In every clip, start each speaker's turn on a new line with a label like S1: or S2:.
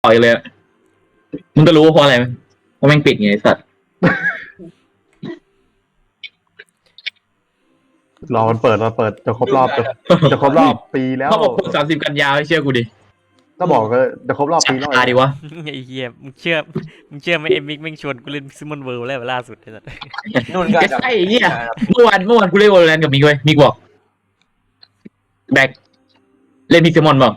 S1: ปล่อยเลยมึงก็รู้ว่าเพราะอะไรไหมเพราะแม่งปิดไงไอ้สัตว์
S2: รอมันเปิดจะครบรอบจะครบรอบปีแล้ว
S1: เขาบอก30 กันยาให้เชื่อกูดิ
S2: ก็บอกก็จะครบรอบปีแล้ว
S1: ดีวะ
S3: ไอ้เหี้ยมึงเชื่อไหมเอ็มมิกแม่งชวนกูเล่นซิมอนเวิลด์แล้วล่าสุดไอ้สัส
S4: นู่นก็
S1: ใช่ไอ้เหี้ยเมื่อวานกูเล่นวอลเลนกับมิกเว้ยมิกบอกแบกเล่นมิกเซมอนบอก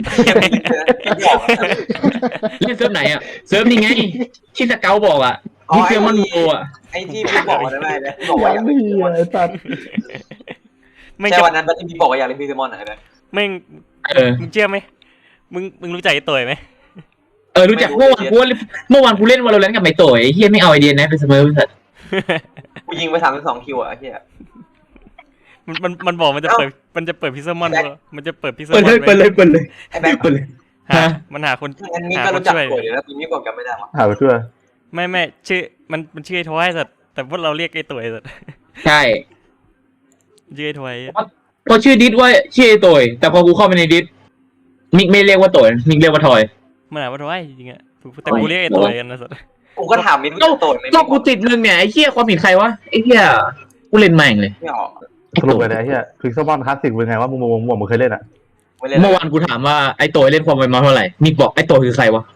S1: เล่นเซิร์ฟไหนอ่ะเซิร์ฟนี่ไงที่สเกลบอกอ่ะมิกเซมอนโวอ่ะ
S4: ไอ้ที่พี่บอกได้ไหมเนี่ยบอกว่าอยากเล่นพีเซมอน
S2: ไอ้สัตว์
S3: ไม่ง
S4: ใช่
S3: จะ
S4: วันนั้นที่พี่บอกว่าอยากเล่นพีเซมอนไหนไหม
S3: แม่งมึงเชื่อไหมมึงรู้จักไอ้ตัวไหม
S1: รู้จักเมื่อวานกูเล่นวอลเลนกับไมโตยไอ้เหี้ยไม่เอาไอเดียนะเป็นเสมอสัตว์
S4: กูยิงไป32 คิวอ่ะไอ้เหี้ย
S3: มันบอกมันจะเปิดพิซซ่ามอนมันจะเปิดพิซซ่า
S1: เปิด
S3: มอน
S1: เลย
S4: ไอ้แบงค์
S1: เปิดเลย
S3: มันหาคน
S4: งั้นนี่
S3: หา
S4: ก็
S3: คน
S4: รู้จัก
S3: ช่วย
S4: ตัวอยู่แล้วปีนี้บอกกันไม่ได้หรอ
S2: หาไปช่วย
S3: ไม่ชื่อมันชื่อไอ้ทอยสัตว์แต่พวกเราเรียกไอ้ตัวสัตว์
S1: ใช่
S3: ชื่อไอ้ทอย
S1: พอชื่อดิสว่าชื่อไอโตยแต่พอกูเข้าไปในดิสมิกไม่เรียกว่าโตยมิกเรียกว่าทอย
S3: มันหาว่าทอยจริงๆอะแต่กูเรียกไอ้ตัวกันนะสัตว์
S4: กูก็ถามมินว่าตัวไหม
S1: ก็กูติดมึงเนี่ยไอ้เหี้ยความผิดใครวะไอ้เหี้ยกูเล่นแม่งเลย
S4: ไม่ออก
S2: สรุปเลยนะไอ้เหี้ยคือซัมมอนคลาสสิกเป็นไงว่ามึงเคยเล่นอ่ะ
S4: ไม่เล่น
S1: เมื่อวานกูถามว่าไอ้โตยเล่นความไวมาเท่าไหร่มิกบอกไอ้โตยคือใครวะ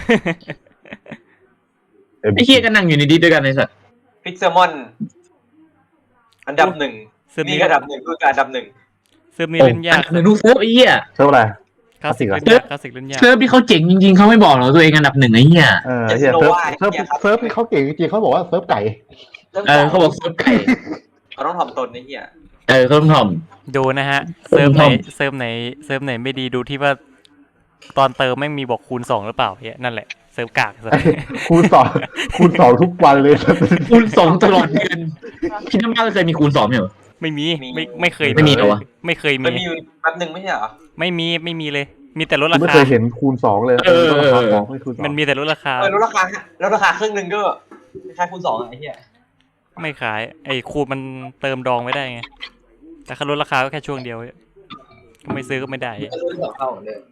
S1: ไอ้เหี้ยก็นั่งอยู่ในดิสด้วยกันไอ้สัส
S4: พิกเซมอนอันดับหนึ่ง
S3: เซิร์ฟ
S4: นี่
S3: นี้
S4: อันดับหนึ่งคือการอันดับหนึ่ง
S3: เซิร์ฟนี้เล่นยาก
S1: หนึ่งทุกเซิร์ฟไอ้เหี้ย
S2: เซิร์ฟอะไร
S3: คลาสสิก
S2: คลาส
S3: เล่
S2: สิก
S3: นยากคลาสสิกเล่นยาก
S1: เซิร์ฟที่เขาเจ๋งจริงๆเขาไม่บอกหรอกตัวเองอันดับหนึ่งไอ้เหี้ย
S2: ไอ้เหี้ยเซิร์ฟที่เขาเก่งจริงๆเขาบอกว่าเซิร์ฟไก่
S1: เขาบอกเซิร์ฟไก่
S4: เขาต้องถ่อมตนไอ้เหี้ย
S1: เขาต้องท
S3: ดูนะฮะ
S1: เซิ
S3: เซิร์ฟไหนไม่ดีดูที่ว่าตอนเติมแม่งมีบอกคูณ2หรือเปล่าเฮียนั่นแหละเซิร์ฟกากสัตว์
S2: คูณ 2ทุกวันเลย
S1: ำคูณ2ตลอดเดือนพี่น้ำบ้านเคยมีคูณ2ไหมเหรอ
S3: ไม่มีไม่เคย
S1: ไม่มีเหรอวะ
S3: ไม่เคย
S4: มัน
S3: มี
S4: มีอยู่แป๊บหนึ่งไม่ใช่เหรอ
S3: ไม่มีเลย มีแต่ลดรา
S2: ไม่
S3: คา
S2: เคยเห็นคูณ 2เลยราคาของไม่คูณ
S3: มันมีแต่ลดราคา
S4: ลดราคาลดราคาครึ่งหนึ่งก็คล้ายคูณ2ไอ้เหี้ย
S3: ไม่ขายไอ้คูณมันเติมดองไม่ได้ไงแต่ค่าลดราคาก็แค่ช่วงเดียวก็ไม่ซื้อก็ไม่ได้
S4: ก็ลด2เท่าเหมือนเดิม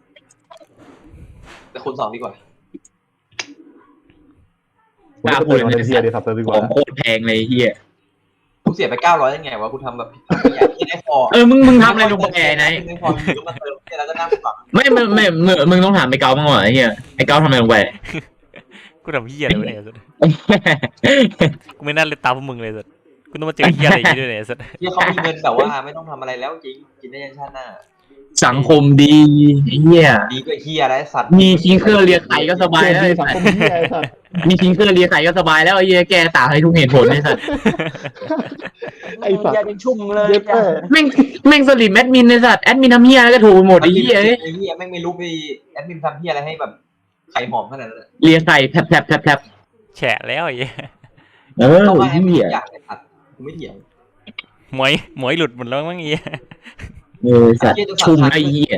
S4: แต่คูณ2ดีกว่า
S2: กล้าพูดเลยเฮียดีสับเซิร์ฟดีก
S1: ข
S2: ว่า
S1: องโคตรแพงเลยไอ้เหี้ย
S4: กูเสียไป900ยังไงวะกูทำแบบอยากกินไอ้คอ
S1: มึงทำอะไรลงไปไหน
S4: ไอ้คอมีก็มาเติมแล้วก็นั่งฝัง
S1: ไม่มึงต้องถามไอ้เกาบ้างว่ะไอ้เหี้ยไอ้เกาทำอะไรลงไป
S3: กูทำเฮียอะไรวะเนี่ยสัตว์กูไม่น่าเล่นตามพวกมึงเลยสัตว์กูต้องมาเจอเฮียอะไรอย่างนี้ด้วยเนี่ยสัตว์
S4: ที่เขามีเงินแบบว่าไม่ต้องทำอะไรแล้วจริงกินได้ยันชาติหน้า
S1: สังคมดีไอ้เหี้ย
S4: ดีกว่าเฮียอะไรสัตว์
S1: มีทิ้งเครื่องเลียไข่ก็สบายแล้ว
S2: สังคมเฮียสัตว์
S1: มีทิ้งเครื่องเลียไข่ก็สบายแล้วไอ้เหี้ยแกต่างให้ทุกเหตุผลไอ้สัส
S2: ไอ้สัตว์
S5: อย่าเป็นชุ่มเลย
S2: เย็ดแม่
S1: แม่งสลิมแอดมินไอ้สัสแอดมินทำเหี้ยอะไรก็ถูกหมดไอ้เหี้ย
S4: ไอ้เฮียแม่งไม่รู้ไปแอดมินทำเฮียอะไรให้แบบไข่หอมขนาดนั้น
S1: เลียไข่แผลบ
S3: แฉะแล้วไอ้เหี้ย
S4: ต้องมา
S1: ไอ้
S4: ให้
S1: เหี้ย
S4: อยากไอ้สัตว์กูไม่เถียง
S3: หมวยหลุดหมดแล้วมั้งไอ้เหี้ย
S1: สัตว์ชุ่มไอ้เหี้ย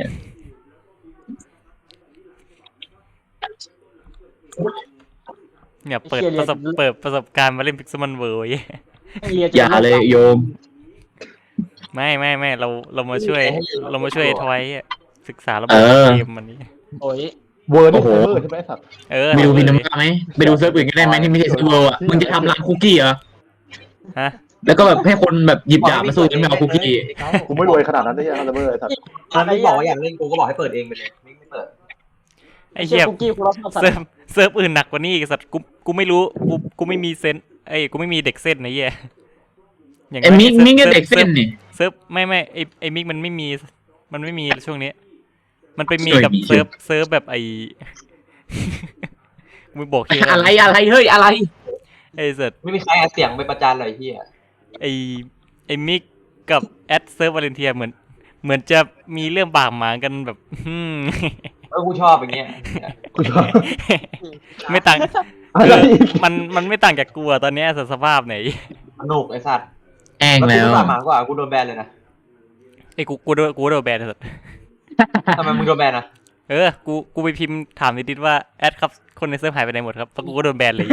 S3: เนี่ยเปิดประสบการณ์มาเล่นพิกซ์มันเวิร์
S1: อย่าเลยโยม
S3: ไม่เรามาช่วยไอ้ทอยศึกษาระบบเกมมันนี้
S5: โอ้ย
S2: เวอร์นี่เซิร์ฟเวอร์ใช่ไหมสัตว์
S1: ไปดูพินำไหมไปดูเซิร์ฟอื่นก็ได้ไหมที่ไม่ใช่เซิร์ฟเวอร์อ่ะมึงจะทำร้านคุกกี้เหรอ
S3: ฮะ
S1: แล้วก็แบบให้คนแบบหยิบดาบมาสู้กันไม่เอาคุกกี้
S2: กูไม่รวยขนาดนั้นได้ยังเซิร์ฟเวอร์สัตว์
S4: ถ้าไม่บอกว่าอยากเล่นกูก็บอกให้เปิดเองไปเลยไม่เปิด
S3: ไอ้เหี้ย
S5: คุกกี้กูรับสัตว์
S3: เซิร์ฟอื่นหนักกว่านี้อีกสัตว์กูไม่รู้กูไม่มีเซนกูไม่มีเด็กเส้นนะเหี้ย
S1: ไอ้มิกก็เด็กเส้นนี่
S3: เซิร์ฟไม่ไอ้มิกมันไม่มีช่วงนี้มันไปมีกับเซิร์ฟแบบไอ้ มึงบอกชื่อ
S1: อะไรเฮ้ยอะไร
S3: ไอ้สัตว์
S4: ไม่มีใครเอาเสียงไปประจานเลยเฮีย
S3: ไอ้มิกกับแอดเซิร์ฟวาเลนเทียเหมือนจะมีเรื่องบาดหมางกันแบบ
S4: กูชอบอย่างเงี้ย
S2: กูชอบ
S3: ไม่ต่าง
S2: อะไร
S3: มันไม่ต่างจากกูอะตอนเนี้ยสภาพไหน
S4: สนุกไอ้สัตว์
S1: แองแล้ว
S4: กูหมากว่ากูโดนแบนเลยนะ
S3: ไอ้กูโดนแบนสัตว์
S4: ทำไมมึงโดนแบนอ่ะ
S3: กูไปพิมพ์ถามนิดๆว่าแอดครับคนในเซิร์ฟหายไปไหนหมดครับแล้วกูก็โดนแบนเลย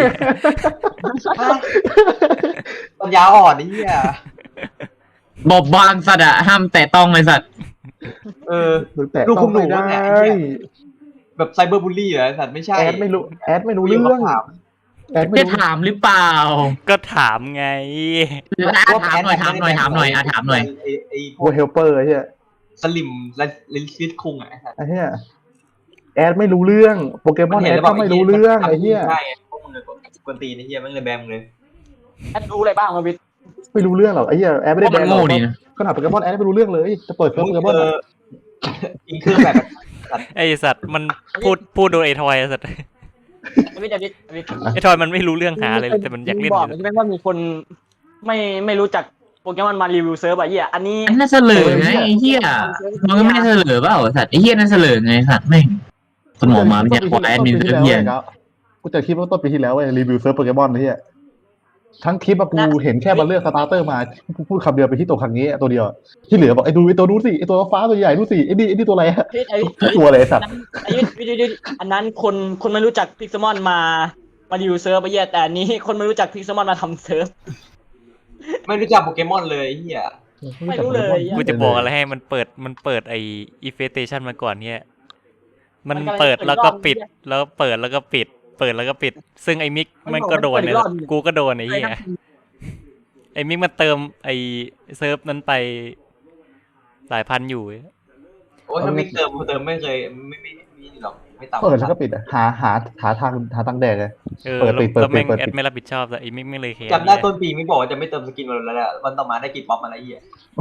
S4: ปัญญาอ่อนนี่เฮีย
S1: บอบบางสัตว์อะห้ามแตะต้องเลยสัตว์
S4: เออ
S2: แต่ต้องไม่ได้
S4: แบบไซเบอร์บูลลี่เหรอสัตว์ไม่ใช่
S2: แอดไม่รู้เรื่องแอดไม่
S1: จะ
S2: รู้
S1: ถามหรือเปล่า
S3: ก็ถามไง
S1: ถามหน่อยถามหน่อยถามหน่อยถามหน่อย
S4: ไอ้พ
S2: พ
S4: ว
S2: ว
S4: ก
S2: กเฮลเปอร์ไอ้เหี้ย
S4: สลิมและลินซิสคุงไอ้สัตว์
S2: ไอ้เหี้ยแอดไม่รู้เรื่องโปเกมอนแอดก็ไม่รู้เรื่องไอ้เหี้ย
S4: ใช่ไงพวกมึงเลยกวนตีนไอ้เหี้ยมันเลยแบมเลย
S5: แอดรู้อะไรบ้างมาวิทย์
S2: ไม่รู้เรื่องหรอกไอ้เหี้ยแอดไม่ได้
S1: เพราะมันโง่นี่นะ
S2: ขนาดโปเกมอนแอดไม่รู้เรื่องเลยจะเปิดเซิร์ฟโปเกมอน
S4: อินเครื่องแบบ
S3: ไอสัตว์มันพูดโดยไอทอยไอ้สัตว์
S5: วิทย์วิทย์
S3: ไอทอยมันไม่รู้เรื่องหาเลยแต่มันอยากเล่น
S5: บ
S3: อ
S5: อก
S3: ยู่
S5: ใช่ไหมว่ามีคนไม่รู้จักโปเกมอนมารีวิวเซิร์ฟอะเหี้ยอันนี้
S1: อันน่าเสลอไงไอ้เหี้ยมันก็ไม่ได้เสลอเปล่าสัตว์ไอ้เหี้ยน่าเสลอไงสัตว์แม่งสมองมาไม่อยากขอแอดมินเพื่อนเหี้ย
S2: กูเจอคลิปต้นปีที่แล้วเว้ยรีวิวเซิร์ฟโปเกมอนไอ้เหี้ยทั้งคลิปอะกูเห็นแค่มาเลือกสตาร์เตอร์มาพูดคำเดียวไปที่ตัวครั้งนี้ตัวเดียวที่เหลือบอกไอ้ดูไอ้ตัวนู้นสิไอ้ตัวฟ้าตัวใหญ่นู้นสิไอ้นี่ตัวอะไรฮะ ตัวอะไรสัตว์
S5: ไอ้วิทย์อันนั้นคนไม่รู้จักพิกซมอนมารีวิวเซิร์ฟอะเหี้ยแต่อันนี้คนไม่รู้จักพิกซมอนมาทำเซิร์ฟ
S4: ไม่รู้จักโปเกมอนเลยไอ้เหี้ย
S5: ไม่รู้เลย
S3: กูจะบอกอะไรให้มันเปิดไออีเฟสเตชันมาก่อนเนี่ยมันเปิดแล้วก็ปิดแล้วเปิดแล้วก็ปิดเปิดแล้วก็ปิดซึ่งไอมิกมันก็โดนเนี่ยกูก็โดนไอ้เหี้ยไอมิกมันเติมไอเซิร์ฟนั้นไปหลายพันอยู่
S4: โอ้ยถ้าไม่เติมไม่เคยไม่หรอกไม่ต่ำ
S2: เปิดแล้วก็ปิดอะหาทางแดกเลย
S3: แล้ว
S2: เปิด
S3: แม่ง
S2: เปิด
S3: แอดไม่รับผิดชอบแต่ไอมิกไม่เลยแคร์
S4: จำได้ต้นปีไม่บอกว่าจะไม่เติมสกินมาแล้ววันต่อมาได้กินป๊อปมาแล้วไอ้เหี้ย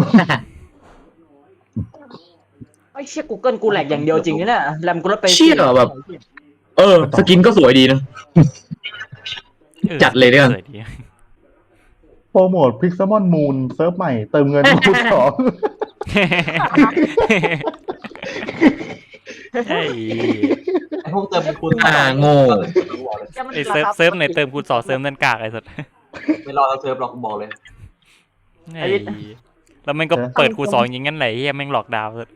S5: ไอ้เชี่ย Google กูแหลกอย่างเดียวจริงนี่เนี่ยแรมกูลดไป
S1: เชี่ยแบบ สกินก็สวยดีนะ จัดเลยด้วยกัน
S3: สวดี
S2: โปรโมทพิกซมอนมูนเซิร์ฟใหม่เติมเงินคูณสอง
S3: ไอ้
S4: ไอ้พวกเติมเป็นคุณ
S1: โง่
S3: ไอเซิร์ฟไหนเติมคูณสองเซิร์ฟนั่นกากไอ้สัส
S4: ไม่รอเราเซิร์ฟหรอกกูบอกเลย
S3: ไอ้แล้วมันก็เปิดคูณสองอย่างงั้นไหนเฮียแม่งหลอกดาวน์สัส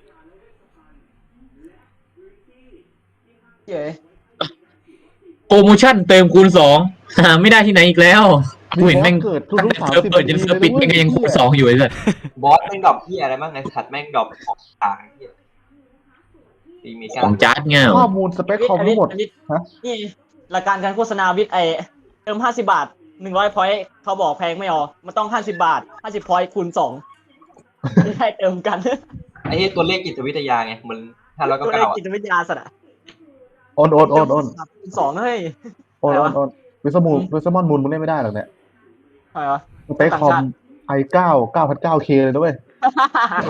S5: เย้
S1: โปรโมชั่นเติมคูณ2หาไม่ได้ที่ไหนอีกแล้วกูเห็นแม่ง
S2: เกิดทุ
S1: ตั้ง
S2: ก
S1: แต่
S2: ๆ
S1: เซิร์ฟเปิดจนเซิร์ฟปิดแม่งก็ยังคูณ2อยู่ไอ้สัส
S4: บอสแม่งดรอปที่อะไรบ้างไอ้สัตว์แม่งดรอปของต่างไอ้เหี้ยมี
S1: ข
S4: การ
S1: องจาร์ดเงี้ย
S2: ข้อมูลสเปคคอมทั้งหมด ฮะ
S5: นี่รายการการโฆษณาวิทย์ไอเติม50 บาท100 พอยต์เขาบอกแพงไม่เอามันต้อง50 บาท50 พอยต์คูณ2ไม่ได้เติมกัน
S4: ไอ้เหี้ยตัวเลขจิตวิทยาไงมัน599
S5: ตัวเลขจิตวิทยาสัตว์อะ
S2: โอน
S5: คูณ2เฮ้ย
S2: วิสมอนมูลมึงเล่นไม่ได้หรอกเนี่ย
S5: อะไรวะ
S2: สเปคคอมi9 9,900K เลยนะเว้ย
S3: โอ้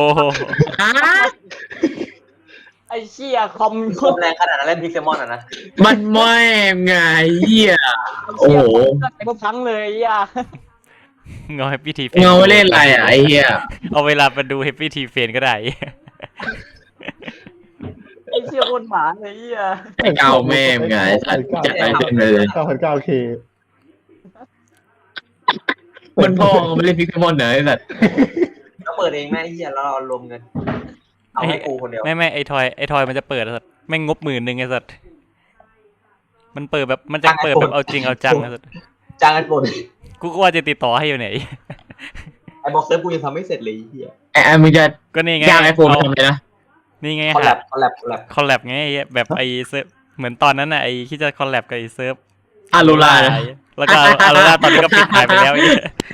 S5: ไอ้เชี่ยคอม
S4: คอมแรงขนาดนั้นเล่นพิกเซมอนอ่ะนะ
S1: มันไม่ไงเหี้ย โอ้โห
S5: ไอ้พวกพังเลยอ่ะ
S3: เงาแฮปปี้ทีเฟ
S1: เงาเล่นอะไรอ่ะไอ้เหี้ย
S3: เอาเวลาไปดูแฮปปี้ทีเฟนก็ได้
S5: ไอ้เชี่ยคนหมาเลยอ่ะ
S1: ไอ้เงาแม่งไงสัตว์จัดไปเต็มเลย
S2: 9,900K
S1: มันพ่อไม่เล่นพิกเกมอนเหรอไอ้สัตว์
S4: ก็เปิดเองแม่ไอ้เหี้ยแล้วเรารวมเงินเอาให้กูคนเดียว
S3: ไม่ไอทอยมันจะเปิดสัสแม่งงบ10,000ไอ้สัสมันเปิดแบบมันจะเปิดแบบเอาจริงเอาจังไอ้สัส
S4: จ้างกันปน
S3: กูก็ว่าจะติดต่อให้อยู่ไหน
S4: ไอ้บอกเซิร์ฟกูยังทำไม่เสร็จเลยไอ้เหี้ย
S1: ไอ้มึงจะ
S3: ก็นี่ไง
S1: ย่างไอโฟนทำเลยนะ
S3: นี่ไง
S4: คอลแล
S3: ฮะ
S4: บคอลแลบคอลแลบ
S3: คอลแลบไงไอ้แบบไอเซิร์ฟเหมือนตอนนั้นน่ะไอที่จะคอลแลบกับไอเซิร์ฟ
S1: อารูลา
S3: แล้วก็อารูลาตอนนี้ก็ปิดหายไปแล้วไอ้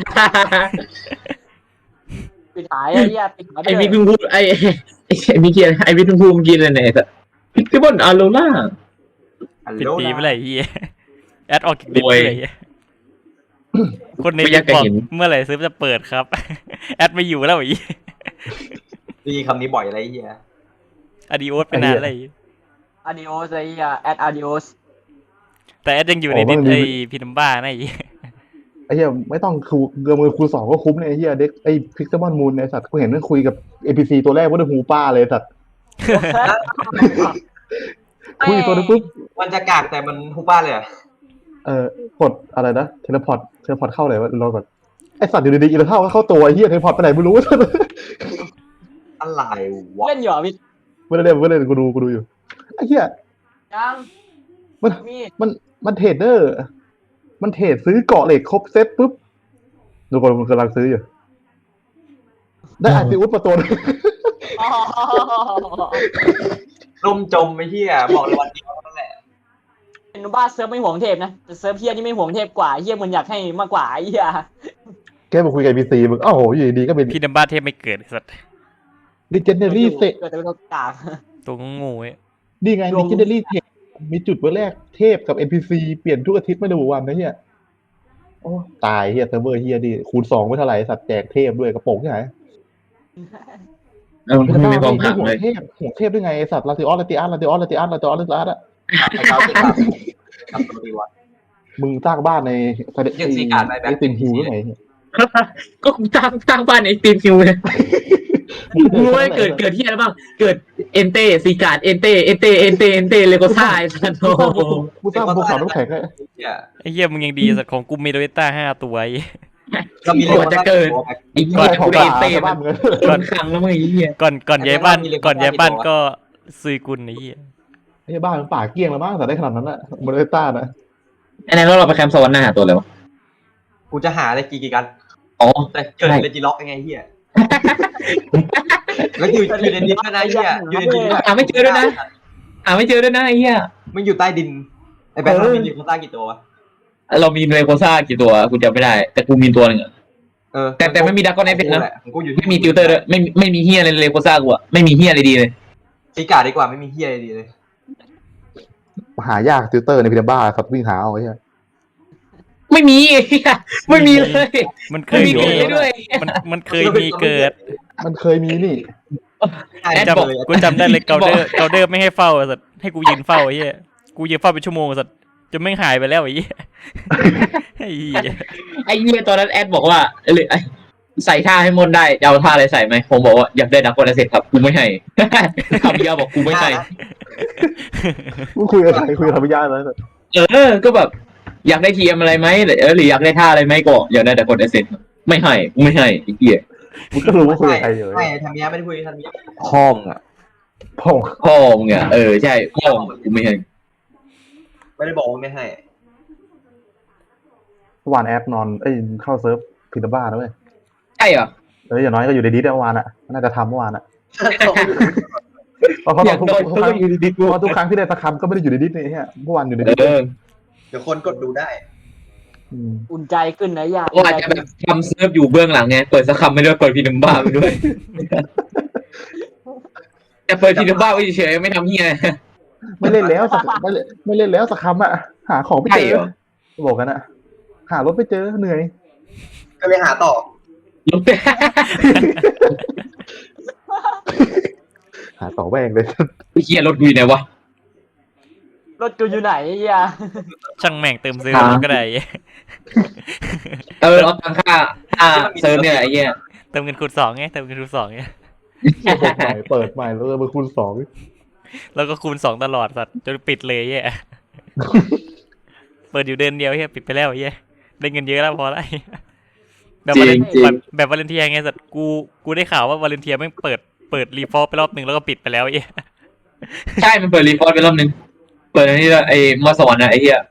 S5: ปิดหายไอ้เหี้ยปิดหายไป
S1: ไอ้
S5: เล
S1: มิ
S5: ย
S1: กเพิ่งพูดไอ้มิกเกียไอ้มิกเพิ่งพูดเมื่อกี้เลยเนี่ยแต่พิกเกมอนอารูลา
S3: ปิดปีไปเลยไอ้เหี้ยแอดออกกิเด็ดเลยไอ้เหี้ยคนใน
S1: ไม่อยากจะ
S3: บอก
S1: เห็น
S3: เมื่อไหร่เซิร์ฟจะเปิดครับ แอดไม่อยู่แล้วไอ้เหี้ย
S4: ดีคำนี้บ่อยอะไรไอ้เหี้ย
S3: อดีโอสเป็นนานอะไร
S5: อาดิโอสไอ้เหี้ยแอดอาดิโอส
S3: แต่แอดยังอยู่ในดิสไอพีนัมบ้านะไอ้เหี้ย
S2: ไอ้เหี้ยไม่ต้องเกือมือคูณ2ก็คุ้มเลยไอ้เหี้ยเด็กไอ้พิกซมอนมูนไอ้สัตว์กูเห็นมันคุยกับ NPC ตัวแรกว่าได้หูป้าเลยสัตว์คุยตัวนึงปุ๊บ
S4: มันจะกากแต่มันฮูบ้าเลยอะ
S2: กดอะไรนะเทเลพอร์ตเข้าไหนวะรอก่อนไอ้สัตว์อยู่ดีๆอีเลเข้าก็เข้าตัวไอ้เหี้ยเทเลพอร์ตไปไหนไม่รู้
S4: อะไรวะ
S5: เล่นอยู่อ่ะวิทย์
S2: ไม่ได้เล่นกูดูอยู่ไอ้เหี้ย
S5: ยัง
S2: มัน
S5: มี
S2: มันเทรดเดอร์มันเทรดซื้อเกาะเหล็กครบเซ็ตปุ๊บดูก่อนมันกำลังซื้ออยู่ได้อาร์ติอุสมาตัวนึง
S5: อ๋อ
S4: ล่มจมไอ้เหี้ยบอกเลยวันเดียวนั่นแหละ
S5: เป็นบ้าเซิร์ฟไม่ห่วงเทพนะแต่เซิร์ฟเฮียนี่ไม่ห่วงเทพกว่าเฮียมันอยากให้มากกว่าไอ้เฮีย
S2: แกมาคุยกับพีซีมึงโอ้โหอยู่ดีๆก็เป็น
S3: พี่ดัมบ้าเทพไม่เกิดไอ้สัตว์
S2: ดิเจเนอรี่เซ
S5: เกิดแต่เป็นกาก
S3: ตัวงูเว้ย
S2: นี่ไงดิเจเนอรี่เทปมีจุดเบอร์แรกเทพกับ NPC เปลี่ยนทุกอาทิตย์ไม่ระบุวันนะเฮียโอ้ตายเฮียเซิร์ฟเวอร์เฮียดิคูณ2ไม่เท่าไหร่สัตว์แจกเทพด้วยกระโปรงที่ไหน
S1: ไม่มีความหัก
S2: ห่ว
S1: เล
S2: ง
S1: ย
S2: เทพห่วงเทพได้ไงไอ้สัตว์ลาติออสลาติอัสลาติออสลาติอัสลาติออสลาติอัสอะ
S4: ไอ้เก้าสิบล้านทำตัวดีวะ
S2: มึงสร้างบ้านใน
S4: ยังซีการ์ดไปแบบ
S2: ไอ้ติมฮิวได้ไง
S1: ก็กูตั้งบ้านในทีมคิวเลยกูรู้ว่าเกิดที่อะไรบ้างเกิดเอนเต้ซีการ์ดเอนเต้เลโกซ่าไอ้สัตว์โอ้โห
S2: กูสร้างภูเขาน้ำแข็งให้
S3: ไอ้เหี้ยมึงยังดีสัตว์ของกูเมโดเอต้า5 ตัวไอ้
S4: ก็มี
S1: ก่อนจะเกิดไอ้เหี้ย
S2: ของ
S1: กูเอนเต้
S2: บ้า
S1: มัน
S2: มึง
S1: ก่อนขังแล้วมึงไอ้เหี้ย
S3: ก่อนย้ายบ้านก็ซุยกุลไอ้เหี้ย
S2: ไอ้บ้านมันป่าเกลี้ยงแล้วมั้งแต่ได้ขนาดนั้นอะโมเดลต้านะ
S1: ไอ้นั่นเราไปแคมป์สวรรค์หน้าหาตัวเลยวะ
S4: กูจะหาอะไรกี่กัน
S1: อ๋อ
S4: แต่เกิดเลจิล็อกยังไงเฮียแล้วอยู่ในดินด้วยนะเฮียอยู่ในดิน
S1: หาไม่เจอด้วยนะไอ้เหี้ย
S4: มันอยู่ใต้ดินไอ้แบงค์มันมีลิโคต้ากี่ตัววะ
S1: เรามีเลโกซ่ากี่ตัวกูจำไม่ได้ แต่กูมีตัวหนึ่งอะ แต่ไม่มีดักกอนไอฟิตนะ
S4: กูอยู่
S1: ไม่มีติวเตอร์ด้วยไม่มีเฮียอะไรเลโกซ่ากูอะไม่มีเฮียอะไรดีเลย
S4: ซีการ์ดดีกว่าไม่มีเฮียอะไรดีเลย
S2: หายากติวเตอร์ในพิลบ้าสัตว์วิ่งหาเอาไว้เฮีย
S1: ไม่มีไอ้เหี้ยไม่มีเลย
S3: มันเค
S1: ไม่
S3: ย
S1: มี
S3: มี
S1: เกิดเลยด้วย
S3: มันเคยมีเกิด
S2: มันเคยมีนี่
S3: กูจำได้เลยเกาเดอร์ไม่ให้เฝ้าสัตว์ให้กูยืนเฝ้าไอ้เหี้ยกูยืนเฝ้าเป็นชั่วโมงสัตว์จนไม่งหายไปแล้วไอ้เหี้ยไอ้เหี้ย
S1: ไอ้เหี้ยตอนนั้นแอดบอกว่าใส่ท่าให้มนได้จะเอาท่าอะไรใส่ไหมผมบอกว่าอยากได้ดักกอนไอเซ็ตครับกูไม่ให้คำเดียวบอกกูไม่ให้
S2: กูคุยกับใครคุยกับธรรมยาแล้ว
S1: ก็แบบอยากได้ทีมอะไรไหมหรืออยากได้ท่าอะไรไหมก็อยากได้ดักกอนไอเซ็ตไม่ให้กูไม่ให้ไอ้เหี้ย
S2: มึงก็รู้ว่าคุยกับใครอยู่
S4: ไม่ทำเนี้ยไม่ได้คุยทำเนี้ย
S2: พ่องอ่ะพ่อง
S1: พ่อมึงอ่ะใช่พ่อกูไม่ให้
S4: ไม่ได้บอกว่าไม่ให้
S2: เมื่อวานแอดนอนเข้าเซิร์ฟพิลบ้าแล้วเว้ย
S1: ใช่เหรอ
S2: อย่างน้อยก็อยู่ในดิสเมื่อวานอ่ะน่าจะทำเมื่อวานอ่ะเพราะ
S1: อยากโดนก็อยู่ดีๆกู
S2: ทุกครั้งที่ได้สักคำก็ไม่ได้อยู่ในดิสนี่ฮะเมื่อวานอยู่ในดิส
S4: เดี๋ยวคนกดดูได้
S5: อุ่นใจขึ้นนะยา
S1: ว่าจะแบบทำเซิร์ฟอยู่เบื้องหลังไงเปิดสักคำไม่ด้วยเปิดพีนัมบ้าไปด้วยแต่เปิดพีนัมบ้าไว้เฉยๆไม่ทำเฮีย
S2: ไม่เล่นแล้วสักไม่เล่นแล้วสักคำอ่ะหาของไม่เจอบอกกันอ่ะหารถไม่เจอเหนื่อย
S4: ก็ไปหาต่อ
S2: หาต่อแวงเลย
S1: ไอ้เฮียรถกูอยู่ไหนวะ
S5: รถกูอยู่ไหนยา
S3: ช่างแม่งเติมซื้อก็ได้
S1: เอาตังค่าเซิร์ฟเนี่ยไอ้เหี้ย
S3: เติมเงินคูณ2ไงเติมเงินคูณ2ไง
S2: เปิดใหม่แล้วมาคูณ2
S3: แล้วก็คูณ2ตลอดสัตว์จนปิดเลยแย่เปิดอยู่เดือนเดียวเฮียปิดไปแล้วแย่ได้เงินเยอะแล้วพอแล้วแบบวาเลนเทียไงสัตว์กูได้ข่าวว่าวาเลนเทียแม่งเปิดรีฟอร์ไปรอบนึงแล้วก็ปิดไปแล้วแย่
S1: ใช่มันเปิดรีพอร์ตไปรอบนึงเปิดอันนี้ไอ้มอสวรรค์นะไอ้เหี้ย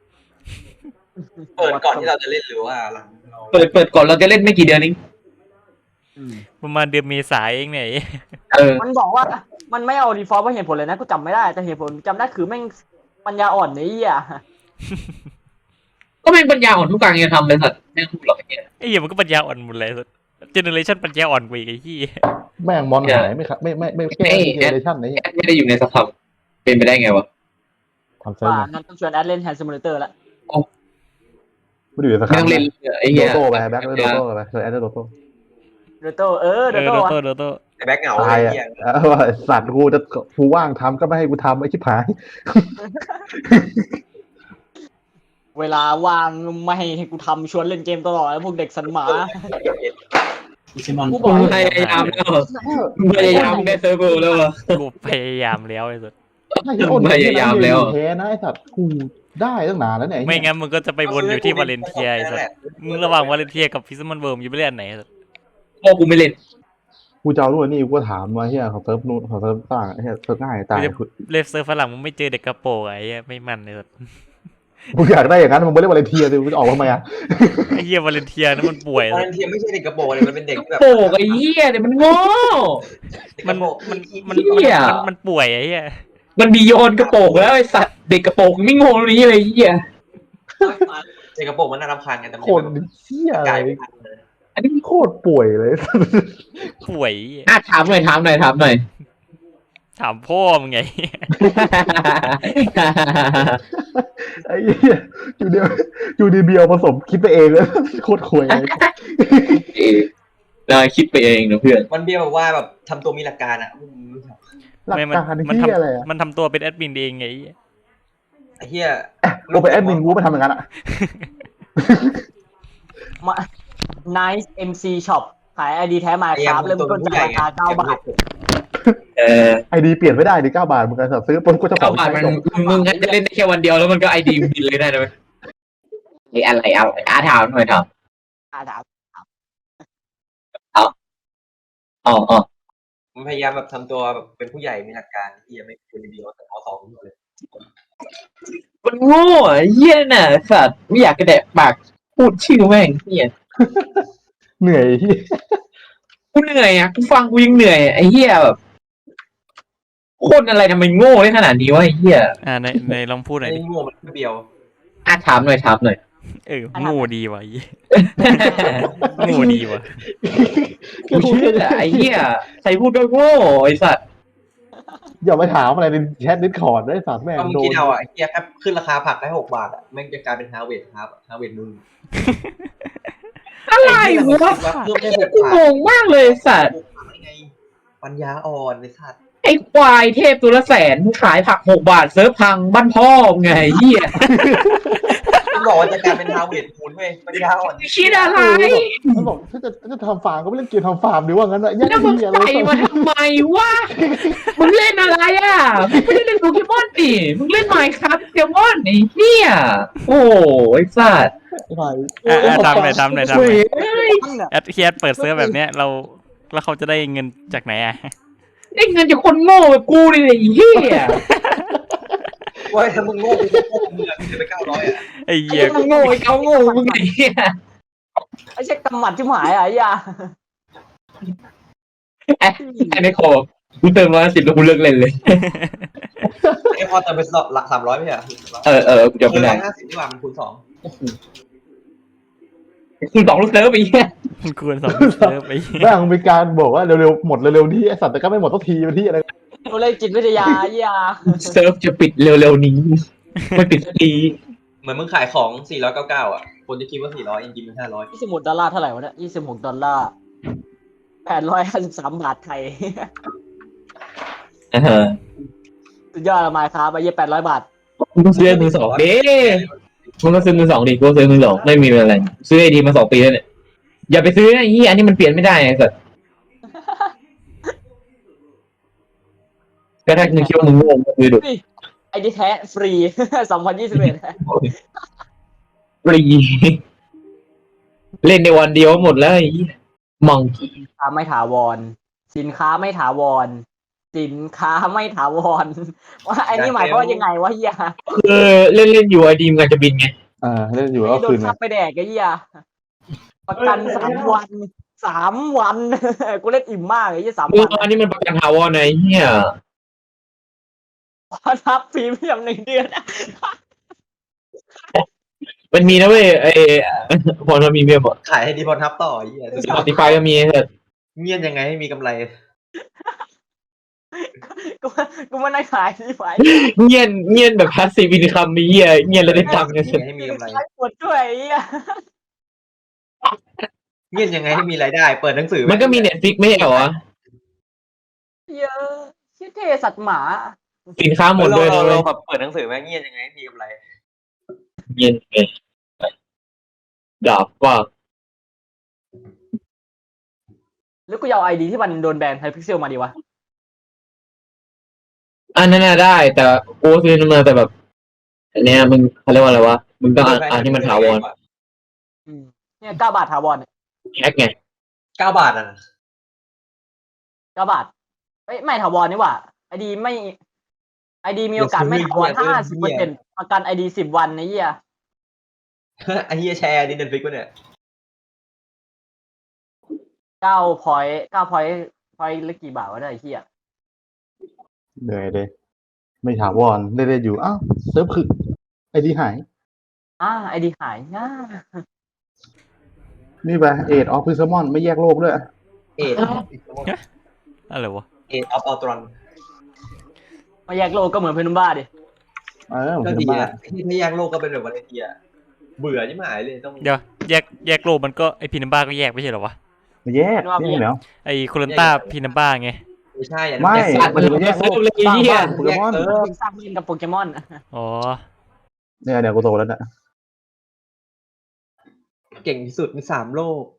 S4: เปิดก่อนที่เราจะเล่นหรือว่าหลังเรา
S1: เปิดก่อนเราจะเล่นไม่กี่เดือนเอง
S3: ประมาณเดือนเมษายนเองเนี่ย
S5: มันบอกว่ามันไม่เอาดีฟอลต์เพราะเหตุผลเลยนะกูจำไม่ได้แต่เหตุผลจำได้คือแม่งปัญญาอ่อนนี่อ่ะ
S1: ก็แม่งปัญญาอ่อนทุกการจะทำเลยสัตว์แม่งพูดหรอกไอ้เหี้ย
S3: ไอ้เหี้ยมันก็ปัญญาอ่อนหมดเลยเจเนอเรชันปัญญาอ่อนกว่าอีกไอ้ที่
S2: แม่งมอนหายไม่ครับไม่แก้เจเนเรชั่นนี้
S1: ไม่ได้อยู่ในสภาพเป็นไปได้ไงวะ
S2: ทำเซิร์ฟ
S5: ว่านั่นต้องชวนแอดเล่นแฮนด์ซิมูเลเตอร์ละ
S2: ไม่ได้อยู่ในส
S1: ไม่
S2: คา
S1: ต้องเล่นไอ้
S2: โด
S1: เหี้ย
S2: โต้ไปแบ็คโดโต้ไปแอดโดโต้
S5: โดโต้โดโต้
S3: โดโต้
S4: ไอ้แบ็คเหงา
S2: ตาย
S4: ไอ้
S2: อ่ะ
S4: เหี้ย
S2: สัตว์กูว่างทำก็ไม่ให้กูทำไอ้ชิบหาย
S5: เวลาว่างไม่ให้กูทำชวนเล่นเกมตลอดแล้วพวกเด็กสันหมากูบ
S1: กู
S5: อก
S1: พยายามแล้วพยายามได้เซิร์ฟเวอร์แล้ววะ
S3: กูพยายามแล้วไอ้สัส
S2: พยายามแล้วแพ้นะไอ้สัตว์กูได้ตั้งนานแล้วเนี่ย
S3: ไม่งั้นมึงก็จะไปวนอยู่ที่วาเลนเทียไอ้สัสมึงระหว่างวาเลนเทียกับฟิสมันเวิร์มอยู่ไปเล่นไหนสัส
S1: พ่อกูไม่เล่น
S2: กูจะเอารุ่นนี่กูถามว่าเฮียของเซิร์ฟนู้นของเซิร์ฟต่างเฮียเซิร์ฟง่ายตาย
S3: เล่นเซิร์ฟฝรั่งมึงไม่เจอเด็กกระโปรงไอ้ไม่มันเลยสัส
S2: มึงอยากได้อย่างนั้นมึงไม่เล่นวาเลนเทียสิมึงจะออกทำไมอ่ะ
S3: ไอ้เหี้ยวาเลนเทียนั่นมันป่วย
S4: ตอนนั้นเทียมไม่ใช่เด็กกระโปรงเลยมันเป็นเด็กแบบ
S1: โปกไอ้เหี้ยเนี่ยมันโง่
S3: มัน
S1: เหี้ย
S3: มันป่วยไอ้เหี้ย
S1: มันบีโยนกระโปรงแล้วไอ้สัตว์เด็กกระโปรงไม่โง่ตรงนี้เลยไอ้เหี้ย
S4: เด็กกระโปรงมันน่ารำคาญกันแต่มัน
S2: คนเชี่ยอะไร
S4: กลายไม่ทันเลย
S2: อันนี้โคตรป่วยเลย
S3: ป่วย
S1: ถามหน่อยถามหน่อย
S3: ถามพ่อมึงไง
S2: ไอ้เหี้ยจูดีเบียวผสมคิดไปเองเลยโคตรควยเลย
S1: เราคิดไปเองนะเพื่อน
S4: มันเบี้ยบอกว่าแบบทำตัวมีหลักการอ่ะ
S2: หลัก
S3: ไม่
S2: การ
S3: มัน
S2: ที่อะไรอ่ะ
S3: มันทำตัวเป็นแอดมินเองไง
S4: ไอ้เหี้ย
S2: กูเป็นแอดมินกูไปทำอย่างนั้นอ่ะ
S5: มา Nice MC Shop ขายไอดีแท้มาครับเริ่มต้นจากราคา9 บาท
S2: ไอดีเปลี่ยนไม่ได้ดิ9 บาทมึงก็ซื้อปุ๊บก็จะข
S1: เข้า
S2: อง
S1: มา
S2: ใช้
S1: มัน
S2: จบ
S1: มึงจะเล่นได้แค่วันเดียวแล้วมันก็ไอดีบินเลยได้ไหมไอ้อะไรเอาถามหน่อยถาม
S5: ถาม
S1: อ๋อ
S4: มันพยายามแบบทำตัวแบบเป็นผู้ใหญ่มีหลักการที่ยังไม่ควรเดียวแต่เอาสองเลย
S1: มันโง่ไอ้เหี้ยน่ะสัตว์ไม่อยากกระแดะปากพูดชื่อแม่งเหี้ย
S2: เหนื่อยที่
S1: กูเหนื่อยอ่ะกูฟังกูยังเหนื่อยไอ้เหี้ยแบบคนอะไรทำไมโง่ได้ขนาดนี้วะไอ้เหี้ย
S3: ในลองพูดหน่อย
S4: ไอ้
S3: ดิ
S4: โง่มันเบี้ยว
S1: ถามหน่อย
S3: โง่ดีว่ะโง่ดีว่ะ
S1: กูเชื่อไอ้เหี้ยใครพูดก็โง่ไอ้สัตว์
S2: อย่าไปถามอะไรในแชทดิสคอร์ดได้สารแม่ง
S4: ก็มึง
S2: โด
S4: คิด
S2: น
S4: เอาอ่ะไอ้เหี้ยแค่ขึ้นราคาผักได้6 บาทอ่ะแม่งจะกลายเป็นฮาร์เวดครับฮาร์เวดมึง
S1: อะไรวะ
S4: เพิ่ม
S1: ไอ้
S4: ได้
S1: เหี้ย
S4: 6
S1: กู
S4: บาท
S1: งงมากเลยสัตว์
S4: ไงปัญญาอ่อนเลยสัตว์
S1: ไอ้ควายเทพตัวละแสนขายผัก6 บาทเซิร์ฟพังบ้านพ่อไงเหี้ย
S4: มันบอกว่าจะกลายเป็นฮาร์เวดคูณเว้ยปัญญาอ่อน
S1: คิดอะไร
S2: มันบอกถ้าจะทำฟาร์มก็ไม่เล่นเกมทำฟาร์มดีว่างั้นอะแย่
S1: แล้วมึง
S2: เหี้ยอะไร
S1: ใส่มาทำไมวะมึงเล่นอะไรอ่ะมึงไม่ได้เล่นโปเกมอนดิมึงเล่นไมค์ครับโปเกมอนไอ้เหี้ยโอ้ไอ้สัตว์
S3: ทำหน่อย
S1: เฮ้ย
S3: แอดเคียดเปิดเซิร์ฟแบบเนี้ยแล้วเขาจะได้เงินจากไหนอ่ะ
S1: ได้เงินจากคนโง่แบบกูนี่แหละไอ้เหี้ย
S4: เว้ยถ้ามึงโง่กูก็โง่มึงอ่ะมึงจะไป900อ่ะ
S3: ไอ้
S1: ไอ้
S3: เหี้ย
S1: มึงโง่ไอ้เขาโง่มึงไอ้เหี้ย
S5: ไอ้เช็คกำหมัดที่หมายอ่ะไอ้ยา
S1: ไอ้ในคอกูเติม110แล้วกูเลิกเล่นเลย
S4: ไอ้พอเติมไปหลัก300ไม่ใช่เหรอ
S1: กูจำไม่ได้
S4: 150ดีกว่ามันคูณ2
S1: คุณ2 ลูกเซิร์ฟไอ้เหี้ย
S3: มันควรสองเซิร์ฟไอ้เหี้ย
S2: แม่งมีการบอกว่าเร็วๆหมดเร็วๆนี่ไอสัตว์แต่ก็ไม่หมดสักทีเป็นที่อะไร
S5: กูเลยจิตวิทยาไอ้ยา
S1: เซิร์ฟจะปิดเร็วๆนี้ไม่ปิดสักที
S4: เหมือนมึงขายของ499อ่ะคนจะคิดว่า400จริงๆมัน500
S5: $26เท่าไหร่วะเนี่ย$26$853 ไทย สุดยอดละมาครับไอ้เหี้ย800 บาท
S1: มึงต้องซื้อมือ 2ดิมึงต้องซื้อมือ 2ดิกูซื้อมือ 2ไม่มีอะไรซื้อไอดีมา2 ปีแล้วเนี่ยอย่าไปซื้อนะไอ้เหี้ยอันนี้มันเปลี่ยนไม่ได้ไอ้สัสก็ถ้ามึงคิดว่ามึงโง่มึงซื้อดู
S5: ไอ้ที่แท้ฟรี 2021
S1: ฟรีเล่นในวันเดียวหมดแล้วไอ้มังกี้
S5: สินค้าไม่ถาวร สินค้าไม่ถาวร สินค้าไม่ถาวร ว่าไอ้นี่หมายความว่ายังไงวะเฮีย
S1: คือเล่นอยู่ไอดีมกันจะบินไง
S2: เล่นอยู่แล้ว
S5: โด
S2: คื
S5: น
S2: น
S5: ทับไปแดกไอ้เฮียประกัน3 วัน 3 วัน กูเล่นอิ่มมากไอ้เฮีย3
S1: มึง
S5: วัน
S1: อันนี้มันประกันถาวรไอ้เหี้ย
S5: พอทับพรีเมียม1 เดือน
S1: มันมีนะเว้ยไอ้พอมันมีเมียบอก
S4: ขายให้ดีพอทับต่อไอ้เหี้ย
S1: Spotify ก็มีเถอะ
S4: เงียบยังไงให้มีกำไร
S5: กูไม่ได้ขายที่ไหน
S1: เงียนแบบ passive income มีเหี้ยเงียนแล้วได้ตังค์เนี่ย
S4: ให้มีกำไร
S5: ขายปวดด้วยไอ้เฮีย
S4: เงียบยังไงให้มีรายได้ เปิดหนังสือ
S1: มันก็มี Netflix ไม่ใช่เหรอวะ
S5: เยอะชื่อเทสัตว์หมา
S1: สินค้าหมดด้วยนะ
S4: เรา
S1: เว้ย
S4: แบบเปิดหนังสือไหมเงียบยังไงให้มีกำไร
S1: เงียนเลยดาบว่า
S5: แล้วกูจะเอาไอดีที่มันโดนแบนไฮพิกเซลมาดีวะ
S1: อันนั้นน่ะได้แต่โอ้ซื้อมาแต่แบบอันเนี้ยมึงเขาเรียกว่าอะไรวะมึงต้องอ่านที่มันถาวร
S5: เนี่ย9 บาทถาวรเนี่ย
S1: แฮกไง
S4: 9 บาทอ่ะ
S5: 9 บาทเอ้ยไม่ถาวรนี่หว่าไอดีไม่ไอดีมีโอกาสไม่ถาวร50%ประกันไอดี10 วันนะเหี้ย
S4: ไอ้เฮียแชร์ดิเน็ตฟิกวะเนี่ย
S5: 9 point 9 point point ละกี่บาทวะได้ไอ้เหี้ย
S2: เหนื่อยเลยไม่ถาวรเล่นๆอยู่อ้าวเซิร์ฟคือไอดีหาย
S5: ไอดีหายง่า
S2: นี่ไปเอ็ดออฟพิซมอนไม่แยกโลกด้วย
S4: เอ็ด
S3: อะไรวะ
S4: เอ็ดออฟอัลตรอน
S5: มาแยกโลกก็เหมือนเพนุมบ้าดิ
S2: ผม
S4: ก็
S2: เป็น
S4: ดี
S2: บ้า
S4: นะที่แยกโลกก็เป็นแบบวาเลนเทียเบื่อยิ่งหายเลยต้อง
S3: เดี๋ยวแยกโลกมันก็ไอพีนัมบ้าก็แยกไม่ใช่เหรอวะ
S2: ไม่แยกนี่เหรอ
S3: ไอโคลันต้าพีนัมบ้าไง
S4: ไม่ใช่อัน
S2: ไม่
S4: นั้น
S1: สัตว์มันแยกโลกเลยไอ้เหี้ย
S2: โปเกมอน
S5: สร้างเล่นกับโปเกมอน
S3: อ๋อ
S2: เนี่ยกูโตแล้วเนี่ย
S4: เก่งที่สุดใน3 โลก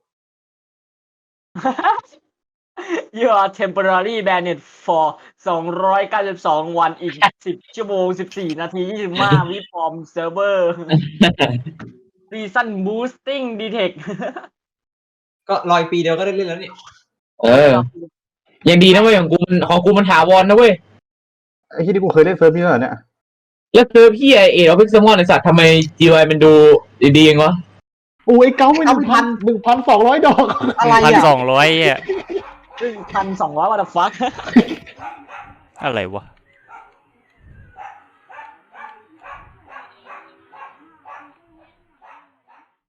S5: You are temporarily banned for 292 วันอีก10 ชั่วโมง 14 นาที 25 วิฟอร์มเซิร์ฟเวอร์ Season Boosting Detect
S4: ก็รอยปีเดียวก็ได้เล่นแล้วนี่
S1: ยังดีนะเว้ยของกูมันถาวรนะเว้ย
S2: ไอ้ที่กูเคยเล่นเซิร์ฟนี่แล้วเหรอเนี่ย
S1: แล้วเซิร์ฟพี่เออพิกซมอนไอสัตว์ทำไม GY มันดูดีๆเองวะ
S2: โอ้ยเก้าไม่1,200 ดอก
S5: อะไร
S3: 1,200อ่ะ
S5: 1,200 what the fuck
S3: อะไรวะ